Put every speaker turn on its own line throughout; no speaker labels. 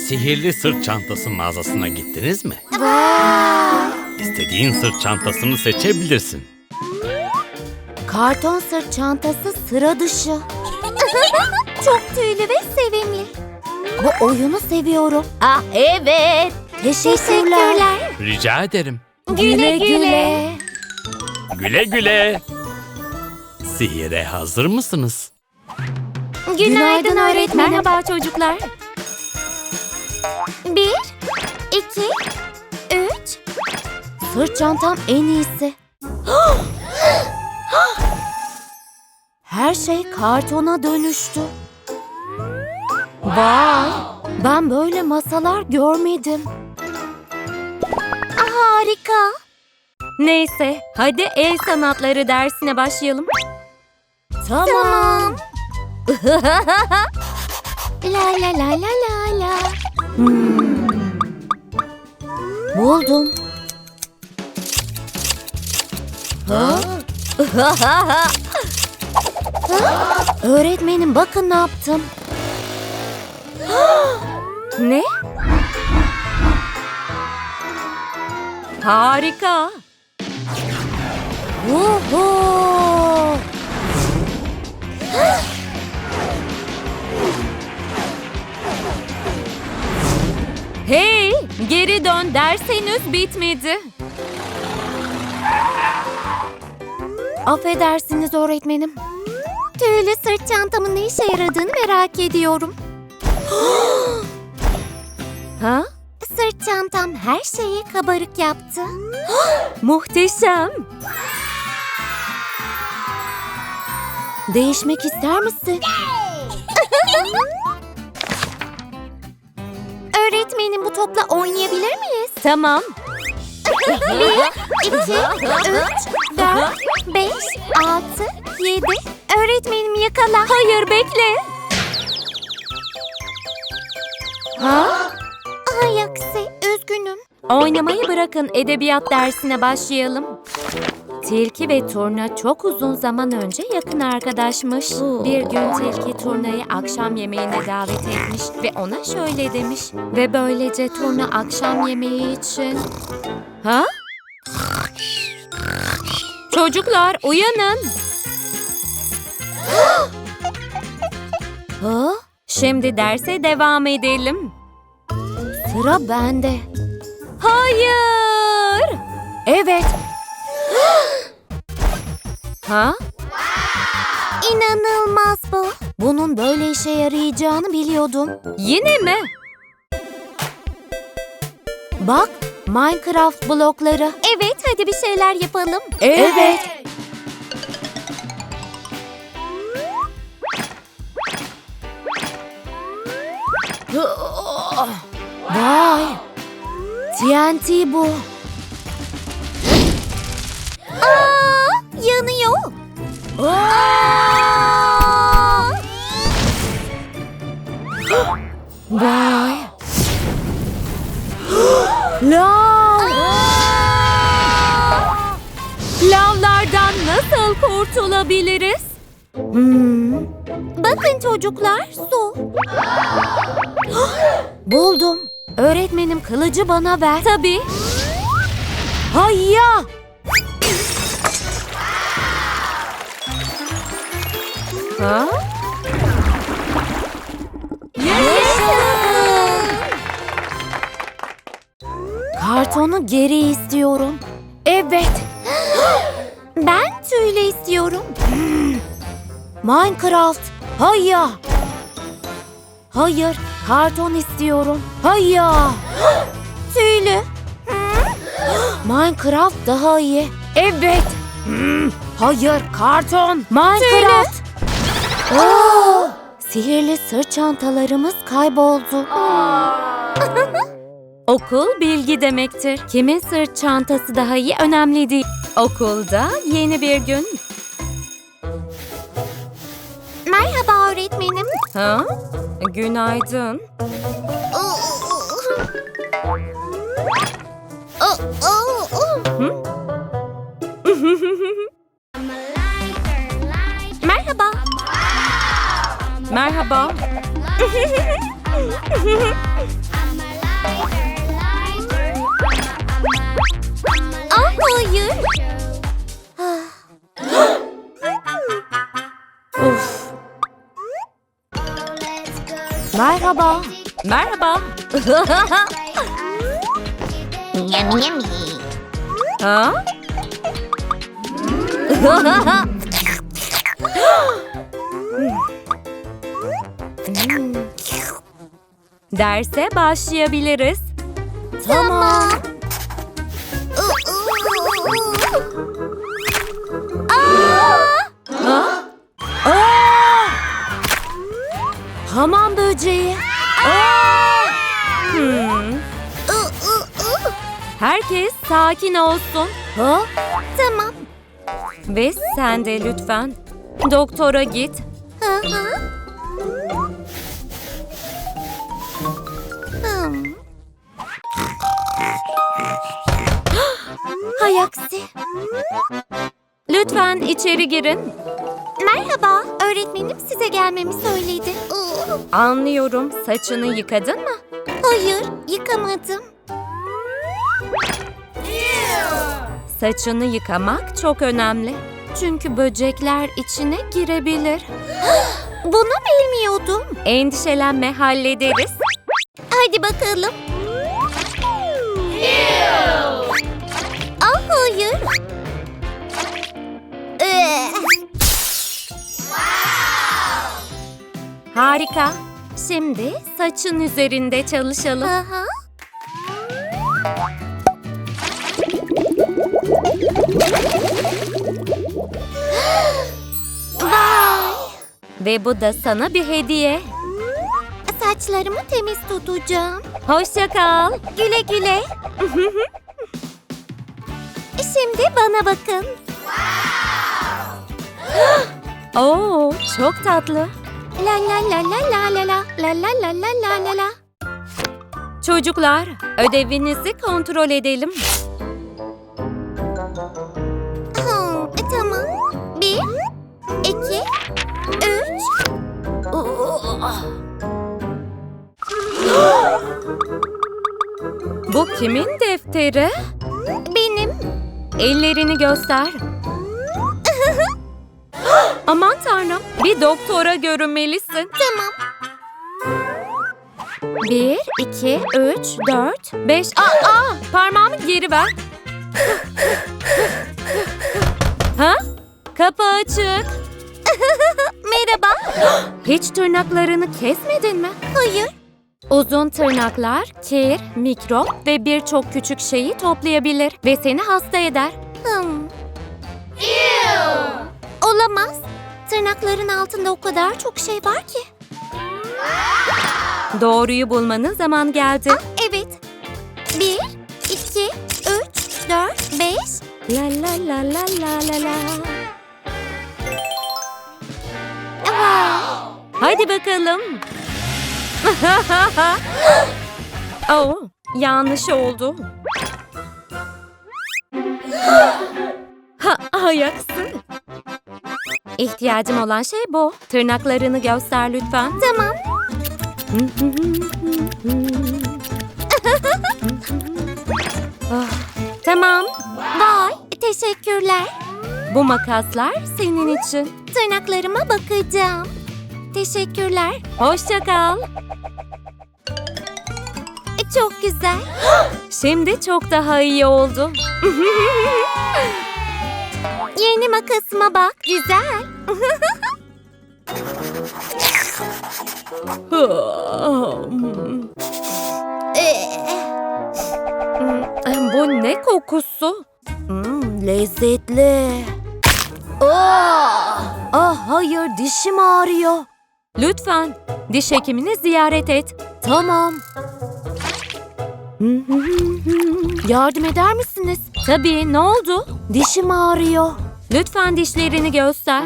Sihirli sırt çantası mağazasına gittiniz mi?
Vay!
İstediğin sırt çantasını seçebilirsin.
Karton sırt çantası sıra dışı. Çok tüylü ve sevimli. Bu oyunu seviyorum. Ah evet. Teşekkürler.
Rica ederim.
Güle güle.
Güle güle. Sihire hazır mısınız?
Günaydın öğretmenim.
Merhaba çocuklar.
1, 2, 3. Sırt çantam en iyisi. Her şey kartona dönüştü. Vay! Ben böyle masalar görmedim. Harika.
Neyse, hadi el sanatları dersine başlayalım.
Tamam. La la la la la la. Buldum. Ha? Öğretmenim bakın ne yaptım.
Ne? Harika.
Vuhu!
Hey, geri dön, ders henüz bitmedi.
Affedersiniz öğretmenim. Tüylü sırt çantamın ne işe yaradığını merak ediyorum.
Ha?
Sırt çantam her şeyi kabarık yaptı.
Muhteşem.
Değişmek ister misin? Öğretmenim bu topla oynayabilir miyiz?
Tamam.
1, 2, 3, 4, 5, 6, 7. Öğretmenim yakala.
Hayır, bekle.
Ha? Ay aksi, üzgünüm.
Oynamayı bırakın, edebiyat dersine başlayalım. Tilki ve Turna çok uzun zaman önce yakın arkadaşmış. Bir gün Tilki Turna'yı akşam yemeğine davet etmiş ve ona şöyle demiş. Ve böylece Turna akşam yemeği için... Ha? Çocuklar uyanın.
Ha?
Şimdi derse devam edelim.
Sıra bende.
Hayır.
Evet.
Ha?
İnanılmaz bu. Bunun böyle işe yarayacağını biliyordum.
Yine mi?
Bak, Minecraft blokları.
Evet, hadi bir şeyler yapalım.
Evet. Vay. TNT bu. Aa, yanıyor. Aa! Vay. Lav.
Lavlardan nasıl kurtulabiliriz?
Bakın çocuklar, su. Buldum. Öğretmenim kılıcı bana ver.
Tabii.
Hayya!
Ha?
Kartonu geri istiyorum. Evet. Ben tüylü istiyorum. Minecraft. Hayya. Hayır, karton istiyorum. Hayya. Tüylü. Minecraft daha iyi. Evet. Hayır, karton. Minecraft. Oo, sihirli sırt çantalarımız kayboldu.
Okul bilgi demektir. Kimin sırt çantası daha iyi önemli değil. Okulda yeni bir gün.
Merhaba öğretmenim.
Ha? Günaydın.
Merhaba.
Merhaba.
hayır.
Of. Merhaba. Merhaba.
Yum yum.
Ha? Derse başlayabiliriz.
Tamam.
Ha? Aa! Hamam böceği. Aa! Herkes sakin olsun. Ha?
Tamam.
Ve sen de lütfen doktora git.
Hı hı. Hay aksi.
Lütfen içeri girin.
Merhaba, öğretmenim size gelmemi söyledi.
Anlıyorum. Saçını yıkadın mı?
Hayır, yıkamadım.
Saçını yıkamak çok önemli. Çünkü böcekler içine girebilir.
Bunu bilmiyordum.
Endişelenme, hallederiz.
Hadi bakalım. Ah hayır.
Harika. Şimdi saçın üzerinde çalışalım.
Aha. Vay.
Ve bu da sana bir hediye.
Saçlarımı temiz tutacağım.
Hoşça kal.
Güle güle. Şimdi bana bakın.
Oo, çok tatlı.
La la la la la la la la la la la la la la.
Çocuklar, ödevinizi kontrol edelim.
Tamam. 1, 2, 3.
Bu kimin defteri?
Benim.
Ellerini göster. Aman tanrım, bir doktora görünmelisin.
Tamam.
1, 2, 3, 4, 5... Parmağımı geri ver. Ha? Kapı açık.
Merhaba.
Hiç tırnaklarını kesmedin mi?
Hayır.
Uzun tırnaklar, kir, mikrop ve birçok küçük şeyi toplayabilir ve seni hasta eder.
Olamaz. Tırnakların altında o kadar çok şey var ki.
Doğruyu bulmanın zaman geldi.
Evet. 1, 2, 3, 4, 5.
La la la la la la la.
Vay.
Hadi bakalım. Oh, yanlış oldu. Ayaksın. İhtiyacım olan şey bu. Tırnaklarını göster lütfen.
Tamam.
Tamam.
Vay. Teşekkürler.
Bu makaslar senin için.
Tırnaklarıma bakacağım. Teşekkürler.
Hoşça kal.
Çok güzel.
Şimdi çok daha iyi oldu.
Yeni makasıma bak. Güzel.
Bu ne kokusu?
Lezzetli. Hayır, dişim ağrıyor.
Lütfen diş hekimini ziyaret et.
Tamam. Yardım eder misiniz?
Tabii, ne oldu?
Dişim ağrıyor.
Lütfen dişlerini göster.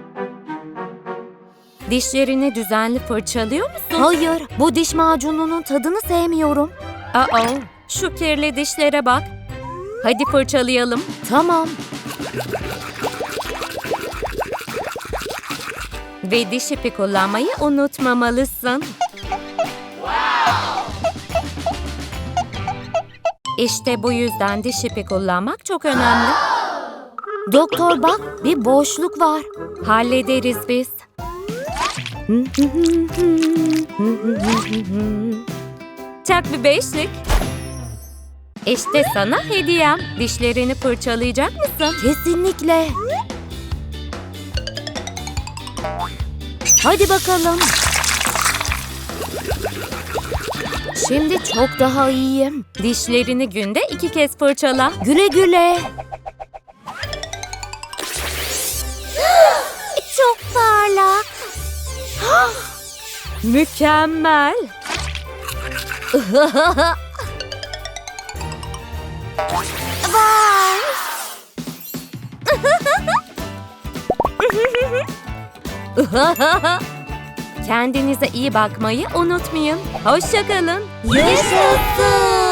Dişlerini düzenli fırçalıyor musun?
Hayır, bu diş macununun tadını sevmiyorum.
Şu kirli dişlere bak. Hadi fırçalayalım.
Tamam.
Ve diş ipi kullanmayı unutmamalısın. İşte bu yüzden diş ipi kullanmak çok önemli.
Doktor bak, bir boşluk var.
Hallederiz biz. Çak bir beşlik. İşte sana hediyem. Dişlerini fırçalayacak mısın?
Kesinlikle. Hadi bakalım. Şimdi çok daha iyiyim.
Dişlerini günde 2 kez fırçala.
Güle güle. Çok parlak.
Mükemmel.
Vay.
Kendinize iyi bakmayı unutmayın. Hoşça kalın.
Yaşasın.